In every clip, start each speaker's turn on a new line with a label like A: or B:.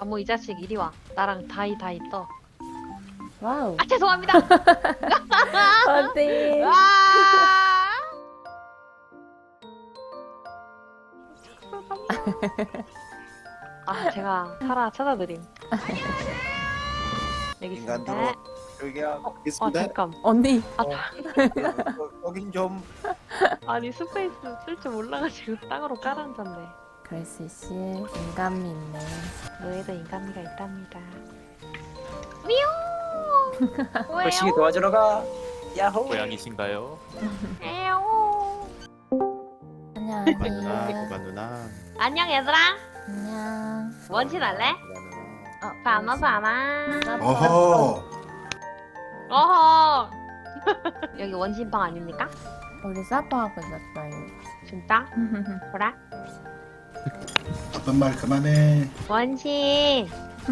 A: 아무 이 자식 이리 와. 나랑 다이 떠.
B: 와우.
A: 아 죄송합니다.
B: 어디?
A: 와. 아 제가 살아 찾아드림. 여기 있습니다.
C: 인간들어 여기야 있습니다.
A: 잠깐.
B: 언니.
C: 여긴 좀
A: 아니 스페이스 쓸 줄 몰라가지고 땅으로 깔아앉았네.
B: 글씨씨 인간미 있네.
A: 너에도 인간미가 있답니다. 미용.
C: 벌칙이 도와주러 가. 야호.
D: 고양이신가요?
A: 에오.
B: 안녕하세요.
D: 고만 누나.
A: 안녕 얘들아.
B: 안녕.
A: 원신 할래? 봐마.
E: 어허.
A: 어허. 여기 원신방 아닙니까?
B: 우리 사퍼하고 있었어요.
A: 진짜? 보라.
E: 나쁜 말 그만해.
A: 원신.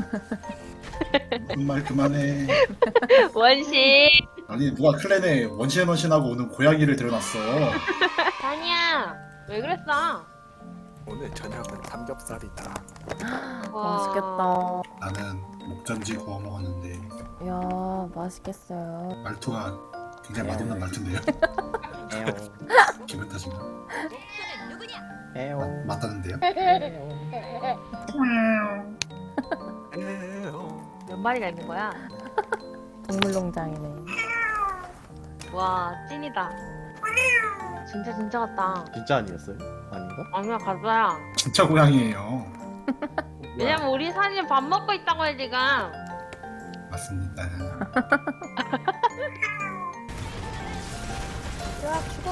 E: 나쁜 말 그만해.
A: 원신.
E: 아니 누가 클랜에 원신하고 오는 고양이를 들여놨어.
A: 아니야. 왜 그랬어?
C: 오늘 저녁은 삼겹살이다.
A: 와.
B: 맛있겠다.
E: 나는 목전지 구워 먹었는데
B: 이야 맛있겠어요.
E: 말투가 굉장히 맛없는 말투인데요. 기분 탓인가? 맞다는데요?
A: 몇 마리가 있는 거야?
B: 동물농장이네.
A: 와 찐이다. 진짜 같다.
D: 진짜 아니었어요? 아닌가?
A: 아니야 가자야.
E: 진짜 고양이에요.
A: 왜냐면 우리 사실 밥 먹고 있다고 해 지금.
E: 맞습니다.
B: 야 죽어.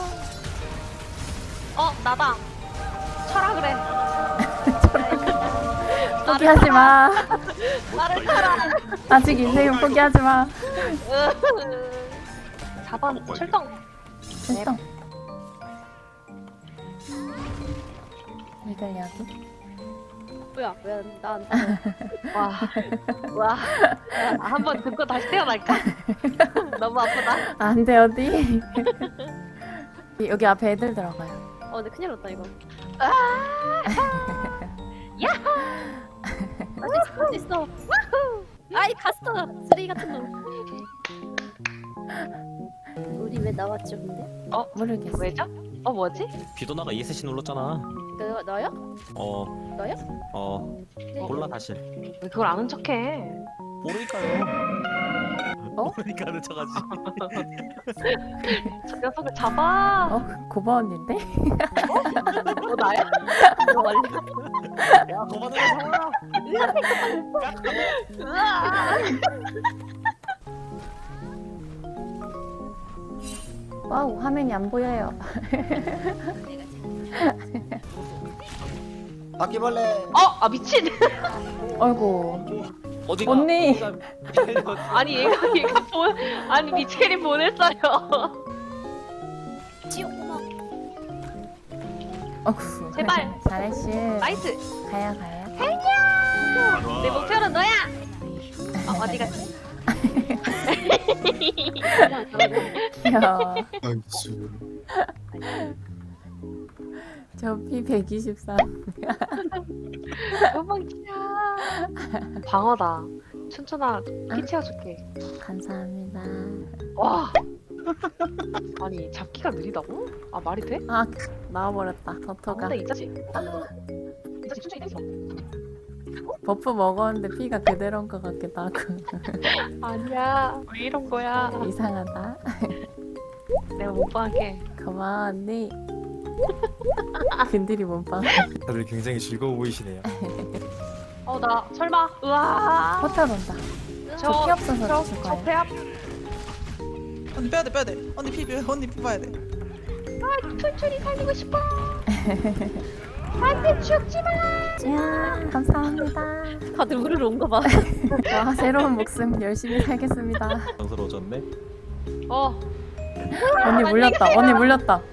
A: 나다. 쳐라 그래.
B: 포기하지 마.
A: 나를 쳐라.
B: 아직 인생은 포기하지 마.
A: 4번 출동.
B: 출동. 이걸 여기.
F: 뭐야 왜 난
A: 와. 한번 듣고 다시 태어날까? 너무 아프다.
B: 안 돼 어디? 여기 앞에 애들 들어가요.
F: 근데 큰일 났다 이거 아직 있어 아이 갔어 쓰레기 같은 놈 우리 왜 나왔죠 근데?
B: 모르겠어.
A: 왜죠? 뭐지?
D: 비도나가 ESC 눌렀잖아.
F: 너요?
D: 어.
F: 너요? 네.
D: 몰라 사실.
A: 왜 그걸 아는 척해?
D: 모르니까요.
B: 어?
D: 모르니까 하는 척하지.
A: 저 녀석을 잡아.
B: 고바 언니인데?
A: 나야?
D: 야 그만해 상아.
B: 와우 화면이 안 보여요.
C: 바퀴벌레.
A: 미친.
B: 아이고
D: 어디가?
B: 언니.
A: 아니 얘가 아니 미첼이 보냈어요.
F: 지옥구멍
B: 어구.
A: 제발.
B: 잘했슈.
A: 나이스.
B: 가요.
A: 내 목표는 너야. 어디 갔지?
B: 귀여워.
E: 아이수.
B: 저 피 123.
A: 도망치자. 방어다. 춘천아 피 채워줄게.
B: 감사합니다.
A: 와. 아니 잡기가 느리다고? 말이 돼?
B: 아 나와버렸다. 버터가.
A: 근데 이 자식. 이 자식 춘천이 됐어.
B: 버프 먹었는데 피가 그대로인 것 같기도 하고.
A: 아니야. 왜 이런 거야?
B: 이상하다.
A: 내가 못 봐게.
B: 고마워 언니. 근들이 몸빵.
D: 다들 굉장히 즐거워 보이시네요.
A: 나 설마. 우와.
B: 호텔 온다. 저 피 없어서 죽을 거예요.
A: 배 앞.
G: 언니 빼야 돼. 언니 피 봐야 돼.
A: 춘천이 살리고 싶어. 안돼 죽지 마.
B: 야 감사합니다.
F: 다들 우르르 온거 봐
B: 와 새로운 목숨 열심히 살겠습니다.
D: 당스러워졌네.
B: 언니 물렸다.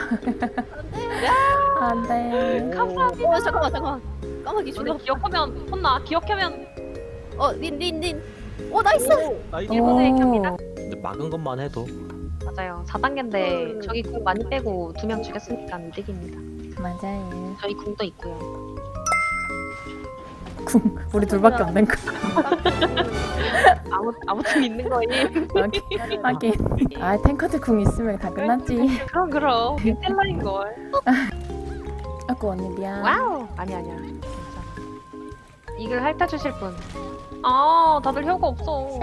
B: 안돼.
A: 감사합니다.
F: 잠깐만 까마귀 죽어
A: 근데 기억하면 혼나. 기억하면
F: 닌 나이스
D: 나이스.
A: 일본의 겹니다.
D: 근데 막은 것만 해도
A: 맞아요. 4단계인데 저기 궁 많이 빼고 2명 죽였으니까 이득입니다.
B: 맞아요.
A: 저희 궁도 있고요.
B: 우리 둘밖에 없는 거.
A: 아무튼 있는 거임.
B: 하긴. 아 탱커들 궁 있으면 다 끝났지.
A: 그럼 텔라인 걸.
B: 아고 언니 미안.
A: 와우. 아니야. 괜찮아. 이글 핥아주실 분. 아 다들 혀가 없어.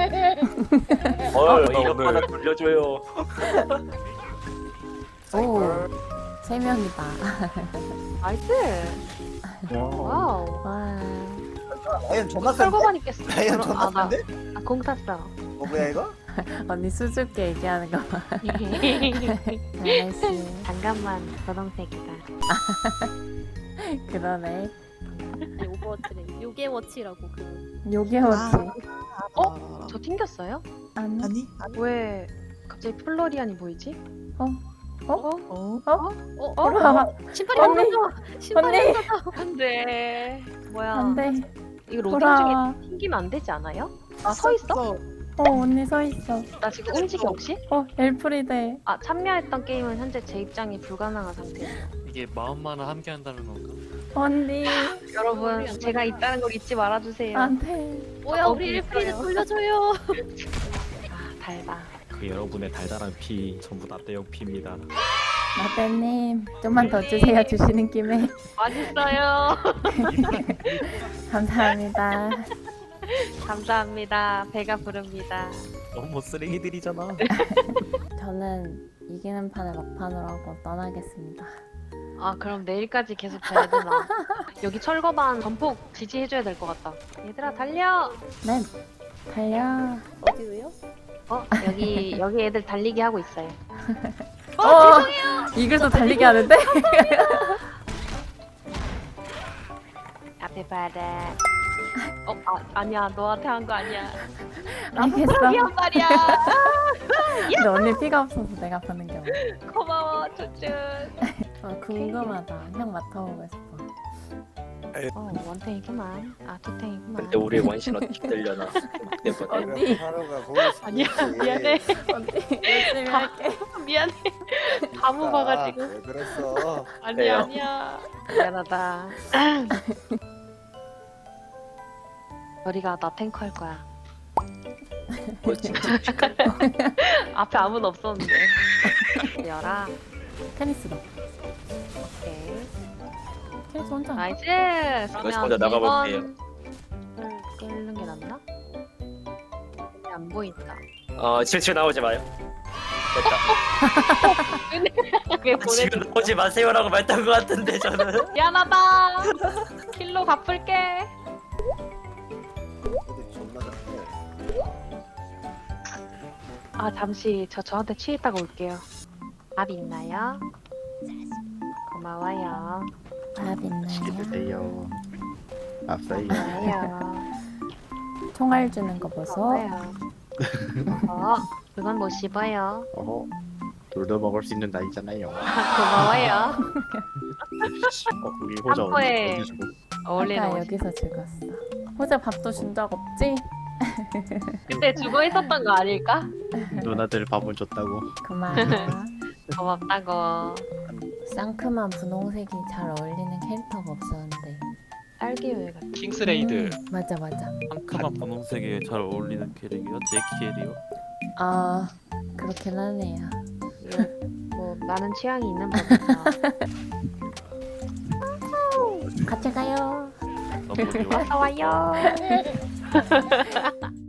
C: 이거 하나 돌려줘요.
B: 오. 3명이다.
A: 나이스. 와우.
B: 와.
C: 라이언 존나 센데?
A: 철거만 있겠어.
C: 라이언 존나
A: 나
C: 센데?
A: 공 탔어.
C: 뭐야 이거?
B: 언니 수줍게 얘기하는 거 봐. 나이스.
A: 잠깐만 분홍색이다.
B: 그러네.
F: 아니, 오버워치래. 요괴워치라고 그.
B: 요괴워치.
A: 저 튕겼어요?
B: 아니.
G: 아니?
A: 왜 갑자기 플로리안이 보이지?
G: 어?
B: 돌아와.
F: 신발이
B: 언니.
F: 없어져. 신발이
B: 언니.
F: 없어져.
A: 안돼. 뭐야?
B: 안돼.
A: 이거 로딩
B: 돌아와.
A: 중에 튕기면 안 되지 않아요? 아 서 있어?
B: 언니 서 있어.
A: 나 지금 움직여 혹시?
B: 엘프리데.
A: 아 참여했던 게임은 현재 재입장이 불가능한 상태예요.
H: 이게 마음만은 함께 한다는 건가?
B: 언니.
A: 여러분 제가 있다는 걸 잊지 말아주세요.
B: 안돼.
F: 뭐야 우리 일프리드
A: 있어요.
F: 돌려줘요.
A: 아 달다.
D: 그 여러분의 달달한 피 전부 다 떼역 피입니다.
B: 라떼님 좀만 더 주세요. 주시는 김에.
A: 맛있어요.
B: 감사합니다.
A: 감사합니다. 배가 부릅니다.
D: 너무 쓰레기들이잖아.
B: 저는 이기는 판을 막판으로 하고 떠나겠습니다.
A: 아 그럼 내일까지 계속 자야 되나? 여기 철거반 전폭 지지해줘야 될 것 같다. 얘들아 달려.
B: 네. 달려.
F: 어디로요?
A: 여기 애들 달리기 하고 있어요.
B: 죄송해요. 이글도 달리게 하는데?
A: 앞에 봐라. 아니야 너한테 한 거 아니야.
B: 알겠어.
A: 미안 말이야.
B: 근데 언니 피가 없어서 내가 보는 게 없어.
A: 고마워 쭈쭈.
B: 궁금하다. 형 맡아보고 싶어.
A: 원탱이구만. 아 투탱이구만.
C: 근데 우리 원신 어떻게 들려나?
B: 언니.
C: 하루가 보일 수
A: 아니야
C: 있지.
A: 미안해.
B: 언니 열심히 할게.
A: 미안해. 다 묻어가지고.
C: 왜 그랬어?
A: 아니야. 미안하다. 머리가 나 탱커 할 거야.
C: 뭐 진짜
A: 앞에 아무도 없었는데. 열아.
B: 테니스다.
A: 오케이.
B: 테니스 혼자.
A: 나이스.
C: 이거 먼저 나가볼게요.
A: 끌는 게 낫나? 안 보인다.
C: 실체 나오지 마요.
A: 왜
C: 지금
A: 보내?
C: 나오지 마세요라고 말했던 것 같은데 저는.
A: 미안하다. 킬로 갚을게. 아 잠시 저한테 취했다가 올게요. 밥 있나요? 고마워요.
B: 밥 있나요?
C: 돼요. 앞서요.
A: 고마워요.
B: 총알 주는 거 보소.
A: 고마워요. 그건 못 씹어요.
C: 어허. 돌도 먹을 수 있는 나이잖아요.
A: 고마워요.
C: 우리 호자
A: 한포에
C: 어디 주고?
A: 어울리는
B: 아까
A: 옷이.
B: 여기서 죽었어. 호자 밥도 준 적 없지?
A: 그때 죽어 있었던 거 아닐까?
C: 누나들 밥은 줬다고.
B: 그만.
A: 고맙다고.
B: 상큼한 분홍색이 잘 어울리는 캐릭터가 없었는데.
A: 딸기우유 같은.
H: 킹스레이드
B: 맞아.
H: 상큼한 분홍색에 잘 어울리는 캐릭이요? 제키엘이요?
B: 아 그렇긴 하네요.
A: 뭐 나는 취향이 있는 법이죠.
B: 같이 가요.
H: 너무 좋아.
A: 어서 와요.